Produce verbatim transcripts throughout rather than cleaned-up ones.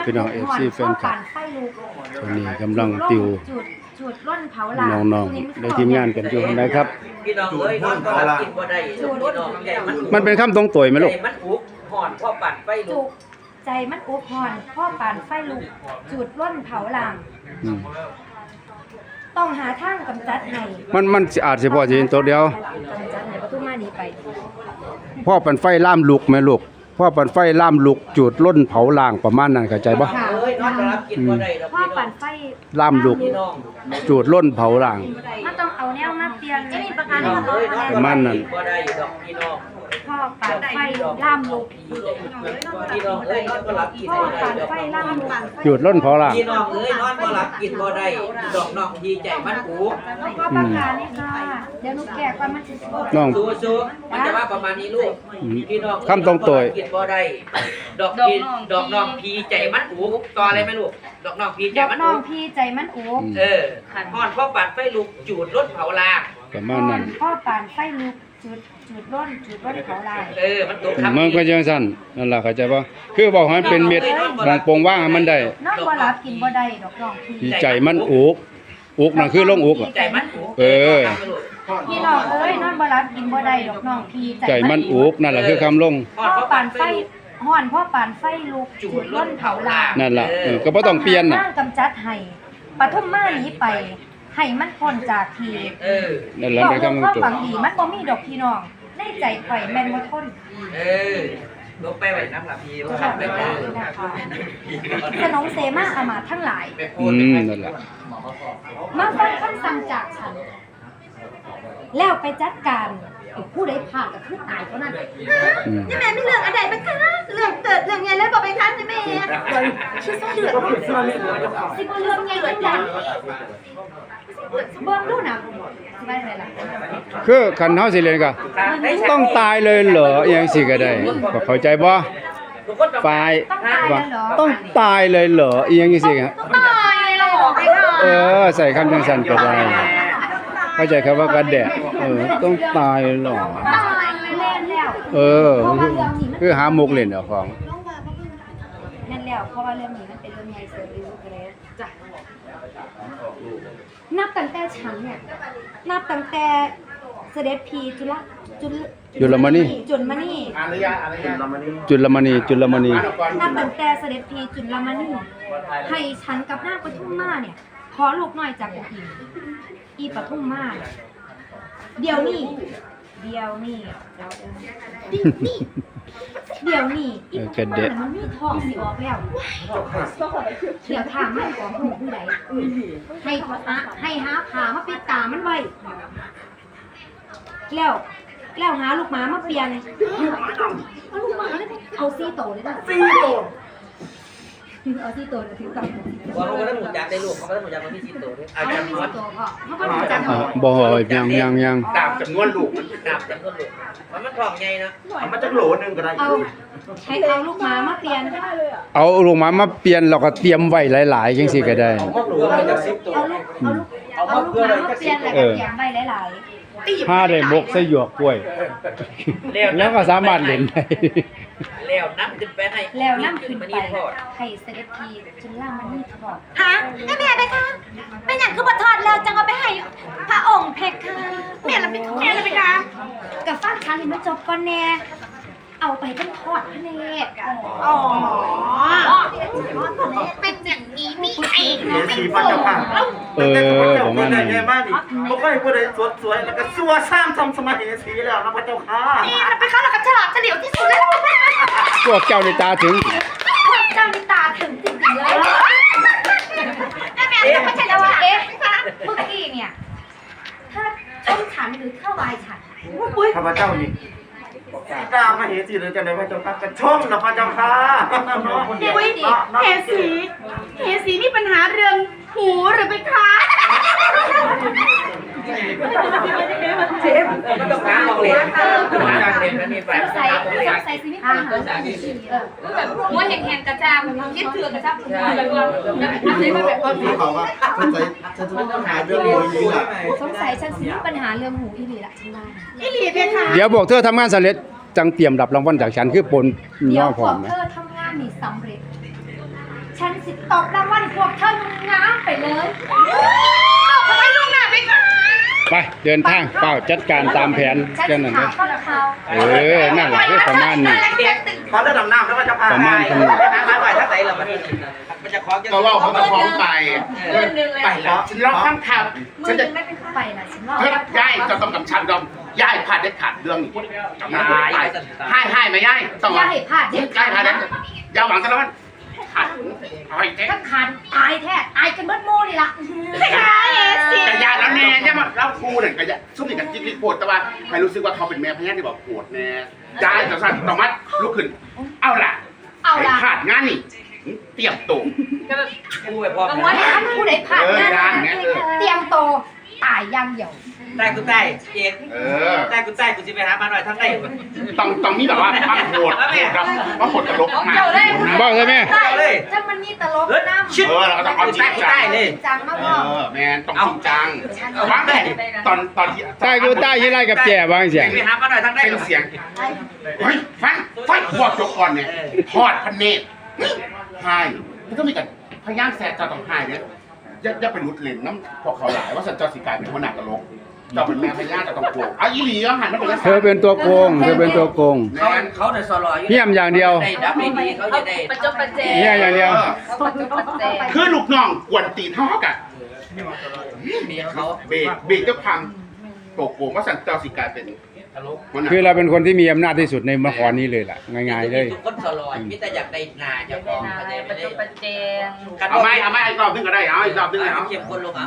พี่น้อง เอฟ ซี แฟนคลับตอนนี้กำลังติวจุดร่นเผาหลาน้องๆได้ทีมงานกันอยู่ไหนครับพี่น้องเอ้ยนอนก็รับกินบ่ได้พี่น้องใจมันมันเป็นคำตรงตัวไหมลูกมันอุกห่อนพ่อปั่นไฟลุกใจมันอุกห่อนพ่อปั่นไฟลุกจุดร่นเผาหลางต้องหาทางกำจัดให้มันมันอาจสิพอสิเห็นตัวเดียวกำจัดให้ประตูมานี้ไปพ่อปั่นไฟล่ามลุกไหมลูกพ่อปั่นไฟล่ามลุกจุดร่นเผาล่างประมาณนั้นเข้าใจบ่เอ้ยนอนก็รับกินบ่ได้ดอกพ่อปั่นไฟล่ามลุกจุดร่นเผาล่างมันต้องเอาแนวมาเปลี่ยนจะมีประกันให้มันประมาณนั้นบ่ได้ดอกพี่น้องพ่อปั่นไฟล่ามลุกพี่น้องเอ้ยนอนก็รับกินพ่อบ่ได้ปั่นไฟล่ามลุกจุดร่นเผาล่างพี่น้องเอ้ยนอนก็รับกินบ่ได้ดอกน้องดีใจมันอุกพ่อประกาศนี่ค่ะเดี๋ยวหนูแกะก่อนมันสิน้องสู้ๆมันจะว่าประมาณนี้ลูกพี่น้องคำตรงตัวกินบ่ได้ดอกพีดอกน้องพีใจมันอุกต่ออะไรไหมลูกดอกน้องพีใจมันอุกดอกน้องพีใจมันอุกเออห่อนพ่อปั่นไฟลุกจูดรถเผาลางประมาณนั้นพ่อปั่นไฟลุกจุดจุดร่นจุดร่นเผาลางเออมันตกครับมันก็จังซั่นนั่นล่ะเข้าใจบ่คือบอกให้มันเป็นเม็ดบางโปงว่างให้มันได้น้องบ่รับกินบ่ได้ดอกน้องพีใจมันอุกอุกนั่นคือลงอุกใจมันอุกเออพี่น้องเอ้ยนอนบ่รับกินบ่ได้ดอกน้องพีใจมันอุกนั่นแหละคือคำลงพ่อปั่นไฟห่อนพ่อปั่นไฟลุกจุดร่นเผาลางนั่นล่ะเออก็บ่ต้องเปลี่ยนน่ะกำจัดให้ปฐมมาหนีไปให้มันพ้นจากทีเออนั่นล่ะเป็นคำความหวังดีมันบ่มีดอกพี่น้องในใจข่อยแม่นบ่ทนเออลงไปไว้น้ำหลับพีบ่ครับไปเด้อสนองเสมาอามาตย์ทั้งหลายอืมนั่นล่ะมาฟังคำสั่งจากฉันแล้วไปจัดการผู้ใดพลาดก็คือตายเท่านั้นนี่แม่ไม่เรื่องอะไรไหมคะเรื่องเกิดเรื่องไงแล้วบอกไปคะนี่แม่ชื่อเสือสิบ่เรื่องไงจังจังเบิ่งดูนะสิว่าอะไรล่ะคือคันเฮาสิเรียนก็ต้องตายเลยเหรออีหยังสิก็ได้ก็เข้าใจบ่ฝ่ายว่าต้องตายเลยเหรออีหยังสิครับตายเลยเหรอเออใส่คำจังซั่นก็ได้เข้าใจครับว่ากระแดะเออต้องตายเหรอตายเล่นแล้วเออคือหามุกเล่นเอาของนั่นแล้วเพราะว่าเรื่องนี้มันเป็นเรื่องใหญ่เสือรู้กันเลยจ้ะนับตั้งแต่ฉันเนี่ยนับตั้งแต่เสด็จพีจุลจุลจุลมณีจุลมณีอารยะอารยะจุลมณีจุลมณีนับตั้งแต่เสด็จพีจุลมณีให้ฉันกับนางปทุมมาเนี่ยขอลูกน้อยจากองค์อินอีปทุมมาเดี๋ยวนี้เดี๋ยวนี้นี่เดี๋ยวนี้อีปทุมมามันมีทองสิออกแล้วเดี๋ยวถามมันของหูผู้ใดให้หาให้หาผ่ามาปิดตามันไว้แล้วแล้วหาลูกหมามาเปลี่ยนเอาลูกหมาเลยเอาซี่โตเลยจ้ะซี่โตเอาซี่โตเลยถึงกับว่าเขาได้หมูจักได้ลูกเขาได้หมูจักมันมีซี่โตด้วยอาจารย์นวลเขาก็หมูจักบ่ยังยังยังตามจำนวนลูกมันตามจำนวนลูกมันมันทองใหญ่นะมันจะโหลนึงก็ได้เอาให้เอาลูกหมามาเปลี่ยนเอาลูกหมามาเปลี่ยนเราก็เตรียมไว้หลายๆจังซี่ก็ได้เอาลูกเอาลูกเอาลูกหมามาเปลี่ยนแล้วก็เตรียมไว้หลายๆถ้าได้มกใส่หยวกกล้วยแล้วก็สามารถเล่นได้แล้วน้ำขึ้นไปให้แล้วน้ำขึ้นไปให้เสด็จพีจนล่างมันนี่ทอดฮะแม่แม่ไปค่ะเป็นอย่างคือบัทอดแล้วจังเอาไปให้พระองค์เพคะแม่ละไปแม่ละไปค่ะกับฟ้าค้าเลยมาจบก่อนแน่เอาไปเป็นทอดพระเนตรอ๋อเป็นอย่างนี้นี่เองนะสีปัจจุบันเออผมว่านี่ไงบ้านนี่บ่ค่อยผู้ใดสวยๆแล้วก็ซัวซ้ำทำสมัยสีแล้วนะพระเจ้าค่ะนี่นะไปค่ะแล้วก็ฉลาดเฉลียวที่สุดเลยพวกเจ้าในตาถึงพวกเจ้าในตาถึงจริงๆเลยแม่แม่ไม่ใช่แล้วว่าเอ๊ะเมื่อกี้เนี่ยถ้าชมฉันหรือเข้าวายฉันข้าพเจ้านี่สีตามาเหสีหรือจะได้พระเจ้าค่ะกระชมนะพระเจ้าค่ะเฮ้ยเหสีเหสีมีปัญหาเรื่องหูหรือไปคะเจ็บมันต้องหาของเล่นหาของเล่นมันมีไฟใส่ใส่ซีนี่ปัญหาแบบว่าแห่งๆกระจามคิดเถื่อนกระจามแบบว่าอะไรมาแบบเอาที่เขาว่าสงสัยฉันจะต้องหาเรื่องหูอีหล่ะสงสัยฉันมีปัญหาเรื่องหูอีหลีละฉันว่าอีหลีเพคะเดี๋ยวบอกเธอทำงานสำเร็จจังเตรียมรับรางวัลจากฉันคือปนย่อผอมนะเธอทำงานนี่สำเร็จฉันสิตอบรางวัลพวกเธอง้ามไปเลยขอบคุณลูกหน้าไปก่อนไปเดินทางเป้าจัดการตามแผนฉันแค่สินั้นถาเด้มอข้าวเขาเออนั่นแหละคือประมาณนี้ขอเลือดดำน้ำแล้วก็จะพาประมาณไปนี้ไปหาหน่อยถ้าไหนเรามันมันจะคล้องจะก็ว่าเขาจะพร้อมไปเดือนหนึ่งเลยไปแล้วฉันร้องข้างข่าวมืฉัอน หจะนึ่งไม่เป็นไปนะฉันว่าเฮ้ยย่ายจะต้องกับฉันดอมย่ายพลาดได้ขาดเรื่องนี้จำได้ไหมให้ให้ไหมย่ายต้องอย่าให้พลาดเด็ดย่ายพลาดได้ยาวหวังกันแล้วมันขาดเอาไอ้แท้ถ้าขาดตายแท้ตายกันเบิดโม่นี่ล่ะกระยาแล้วแน่ใช่ไหมเราครูเนี่ยกระยาซุ่มนี่กับจิ๊กจิ๊กโกรธแต่ว่าใครรู้สึกว่าเขาเป็นแม่พญาที่บอกโกรธแน่ย่ายจะสั่นต้องมัดลุกขึ้นเอาล่ะเอาล่ะขาดงานนี่เตรียมตัวกูไปพร้อมบางวันท่านผู้ใดผ่านงานเออยังเนี่ยเออเตรียมโตวตายอย่างเดียวใต้กูใต้เอกเออใต้กูใต้กูจะไปหามาหน่อยทั้งไหนต้องต้องมีแบบว่าบ้างโหดโหดครับว่าโหดตลกมากบอกเลยแม่ได้เลยถ้ามันมีตลกน้ำเออเราก็ต้องเอาจริงจังจริงจังมากเอพ่ออแมนต้องจริงจังวางแผนตอนตอนที่ใต้กูใต้ยี่ไรกับแจ่บางเสียงไปหามาหน่อยทั้งไหนเป็นเสียงเฮ้ยฟังฟังหัวจกก่อนเนี่ยทอดพันเนตรหายมันก็มีกันพยางแสบจะต้องหายเนี่ยอย่าอย่าไปรุดเล่นน้ำพวกเขาหลายว่าสันจรสิกายเป็นหัวหน้าตลกเราเป็นแม่พญาจะต้องกลัวอ่ะอีหลีก็หันมาเป็นเธอเป็นตัวโกงเธอเป็นตัวโกงเขาเขาในซอลอยเยี่ยมอย่างเดียวได้ดับได้ดีเขาจะได้ประจบประเจเยี่ยมอย่างเดียวคือลูกน้องกวนตีนเท่ากันมีเขาเบรกเบรกจะพังโกโก้ว่าสันจรสิกายเป็นตลกหัวหน้าคือเราเป็นคนที่มีอำนาจที่สุดในมครนี้เลยล่ะง่ายๆเลยทุกคนซอลอยมิแต่อยากได้นาจะพอเขาจะไม่ได้เอาไหมเอาไหมอีกรอบนึงก็ได้เอาอีกรอบนึงเอาเข้มข้นลงอ่ะ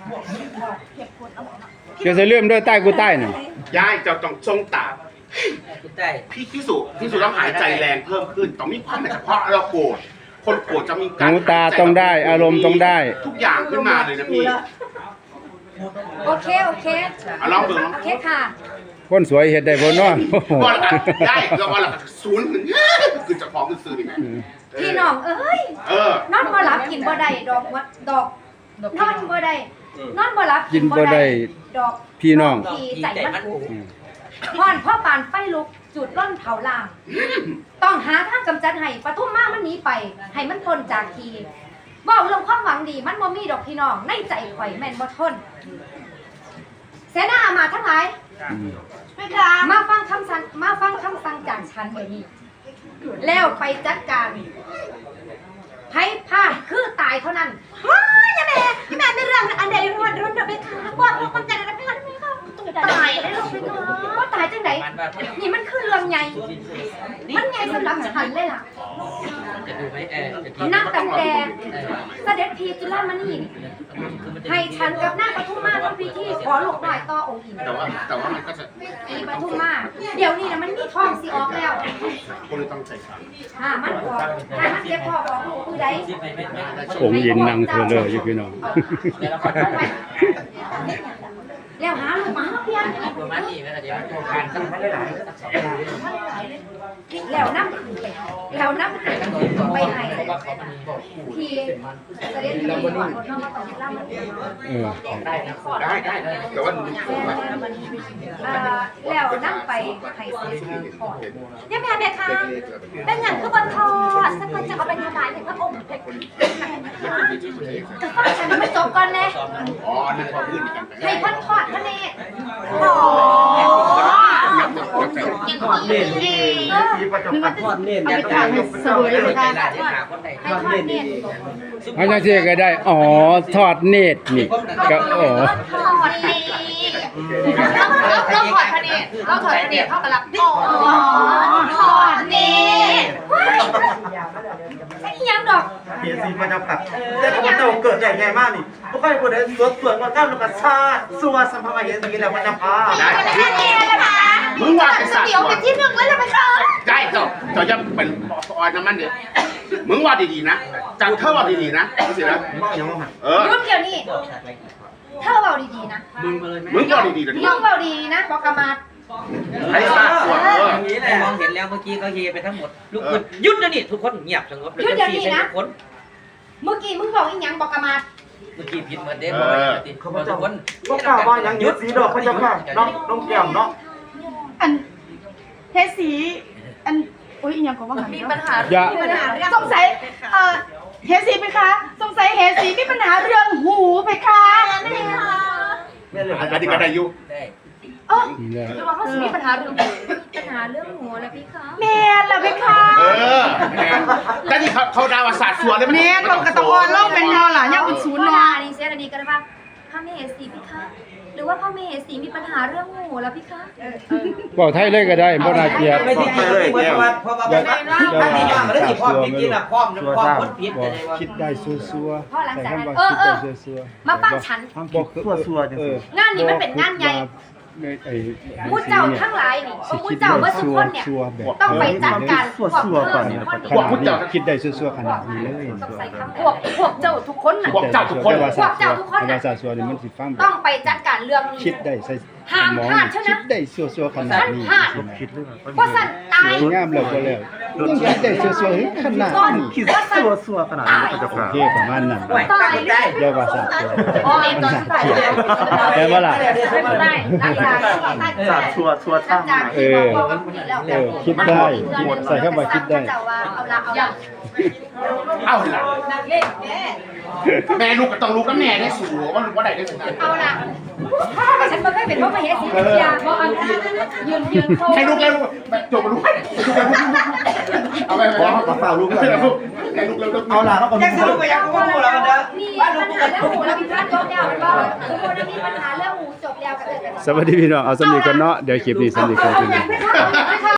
เกี่ยวกับเรื่องด้วยใต้กูใต้น่ะยายจะต้องทรงตากูใต้พี่ที่สุที่สุต้องหายใจแรงเพิ่มขึ้นต้องมีความเฉพาะเราโกรธคนโกรธจะมีการหูตาต้องได้อารมณ์ต้องได้ทุกอย่างขึ้นมาเลยนะพี่โอเคโอเคเอาลองดูลองโอเคค่ะคนสวยเห็ดได้บนเนาะโอ้โหว่าละกันได้ก็ว่าละกันศูนย์ขึ้นคือจะฟ้องขึ้นซื้อนี่แม่พี่น้องเอ้ยเออนอนบ่หลับกินบ่ได้ดอกวัดดอกนอนบ่ได้นอนบ่หลับกินบ่ได้ดอกพี่น้องพี่ใจมันกูอุพรพ่อปานไฟลุกจุดร่อนเผาลาม ต้องหาทางกำจัดให้ปทุมมามันหนีไป ให้มันพ้นจากทีเว้าเรื่องความหวังดีมันบ่มีดอกพี่น้องในใจข่อยแม่นบ่ทนเสนาอามาตย์ทั้งหลายไม่ค่ะมาฟังคำสั่งมาฟังคำสั่งจากฉันเดี๋ยวนี้แล้วไปจัดการไพ่พลาดคือตายเท่านั้นว้ายยาแม่ยาแม่ไม่เรื่องอันใดรุ่นรุ่นเดไปค่ะบอกว่าคนใจนะไปค่ะไม่ค่ะตายได้ลงไปก่อนว่าตายจังไหนนี่มันคือเรื่องใหญ่มันใหญ่สำหรับฉันเลยล่ะจะดูไหมเออจะกินนั่งตั้งแต่เสด็จพีจุฬามณีให้ฉันกับนางปทุมมาทำพิธีขอลูกหน่อยต่อองค์อินแต่ว่าแต่ว่ามันก็จะอีปทุมมาเดี๋ยวนี้นะมันมีทองสีออกแล้วคนเลยต้องใส่สารอ่ามันออกถ้ามันเจ็บพอออกลูกคือใดองค์หญิงนางเธอเลยอยู่พี่น้องแล้วหาลูกมาเพียงประมาณนี้นะเดี๋ยวโครงการต้องให้หลายแล้วน้ำขึ้นไปแล้วน้ำขึ้นไปให้ทีเสด็จพีก่อนน้องมาต่อจุฬามณีเออได้ได้แต่ว่าแล้วนั่งไปไห้เสียก่อนยาแม่แม่ค่ะเป็นอย่างคือบนทอดสักคนจะเอาไปถวายให้พระองค์เพคะแต่ฟังฉันไม่จบก่อนเลยอ๋อนั่นพอพื้นกันให้พันทอดพระเนตรโอ้ทอดเล่นนี่พี่ประจบทอดเล่นเนี่ยต้องยกเป็นเสวยเลยใจหลายที่หาคนใดให้ทอดเนตรเอาจังซี่ก็ได้อ๋อทอดเนตรนี่ก็อ๋อทอดนี่เราถอดพระเนตรเราถอดพระเนตรเท่ากับรับอ๋อถอดนี่ไอ้ยังดอกเพียซีประจบผัดแต่พระเจ้าเกิดใหญ่ใหญ่มากนี่พวกใครคนใดสวดสวดมาก้าวลูกชาติสัวสัมภเวสีแล้วพระเจ้าพาได้แค่นี้นะคะมึงว่าเป็นสัตว์เดี๋ยวเป็นที่หนึ่งแล้วจะไปค่ะได้ต่อต่อจะเป็นออยน้ำมันเดี๋ยวมึงว่าดีๆนะจังเธอว่าดีๆนะสินะบ้าอย่างว่าหันเออยุ่งเดี๋ยวนี้เธอเบาดีๆนะมึงมาเลยไหมมึงว่าดีๆเดี๋ยวนี้น้องเบาดีนะบอกกามาไอ้สัตว์ตัวเอออย่างนี้แหละมองเห็นแล้วเมื่อกี้เขาเฮไปทั้งหมดลูกคุณยุดนะนี่ทุกคนเงียบสงบเลยทุกคนเมื่อกี้มึงบอกอีหยังบอกกามาเมื่อกี้ผิดเหมือนเดิมบอกติดทุกคนพวกกล่าวว่าอย่างยึดสีดอกพระเจ้าค่ะน้องน้องแก้มเนาะอันเทสสีอันอุ้ยอีหยังก็ว่าหันมีปัญหาอย่ามีปัญหาเรื่องสงสัยเอ่อเทสสีคะสงสัยเหสีมีปัญหาเรื่องหูเพคะอันนี้ก็ได้อยู่ได้เอ้อหรือว่าเขาสิมีปัญหาเรื่องปัญหาเรื่องหัวแล้วพี่คะแม่นล่ะเพคะเออแม่แต่ที่เขาเขาดาวศาสตร์ส่วนเลยแม่นต้องกระตะออนเล่าเป็นงอล่ะย่าเป็นศูนย์พ่อเนาะดานี่เสียอันนี้กันว่าพระมเหสีพี่คะหรือว่าพ่อมเหสีมีปัญหาเรื่องหูแล้วพี่คะบอกไทยเลยก็ได้บ่น่าเกลียดไม่ได้เพราะว่าเพราะว่าอย่าถ้ามีอย่างแล้วสิพร้อมจริงๆน่ะพร้อมพร้อมคนผิดบอจะกได้ว่าคิดได้ซัวๆพ่อหลังจากนั้นแต่เออเออคิดได้ซัวๆมาฟังฉันบอกซัวๆจังซี่งานนี้มันเป็นงานใหญ่ไอ้มูเจ้าทั้งหลายนี่มูเจ้าเมื่อสุกคนเนี่ยต้องไปจัดการพวกเพิ่มคนนี่พวกเจ้าคิดได้ซัวๆขนาดนี้เลยต้องใส่คำพวกพวกเจ้าทุกคนน่ะพวกเจ้าทุกคนพวกเจ้าทุกคนภาษาซัวนี่มันสิฟังต้องไปจัดการเรื่องนี้คิดได้ใส่ห้ามพลาดเท่านั้นคิดได้ซัวๆขนาดนี้ห้ามพลาดคิดเลยเพราะสั่นตายสวยงามแล้วก็แล้วยังคิดได้ซัวๆขนาดนี้คิดสัวสัวขนาดนี้ก็จะโอผ่านเคประมาณนั้นตายได้เรียกว่าสัตว์อ๋อเองตอนสุดท้ายแปลว่าล่ะไม่ได้หลังจากสาดสัวสัวหลัช่าง งจากที่บอกว่าคนนี้แล้วเออคิดได้ใส่เข้ามาคิดได้เจ้าว่าเอาละเอาละเอาล่ะแม่ลูกก็ต้องลูกกับแม่ได้สูว่าลูกว่าได้ได้สุดนั้นเอาละฉันมาเคยเป็นพ่อมาเฮ็ดสิยาเพราะอันยืนยืนโคให้ลูกแล้วลูกจบมาลูกเอาไปไปมาฝ่าลูกให้ลูกให้ลูกแล้วเอาล่ะเขาก็ยังสรุปไปยังก็พูดแล้วมันเด้อมีปัญหาเรื่องหูแล้วมีพลาดจบแล้วก็สมมติว่ามีปัญหาเรื่องหูจบแล้วก็เออสวัสดีพี่น้องเอาสำนีกันเนาะเดี๋ยวคลิปนี้สำนีกันจริง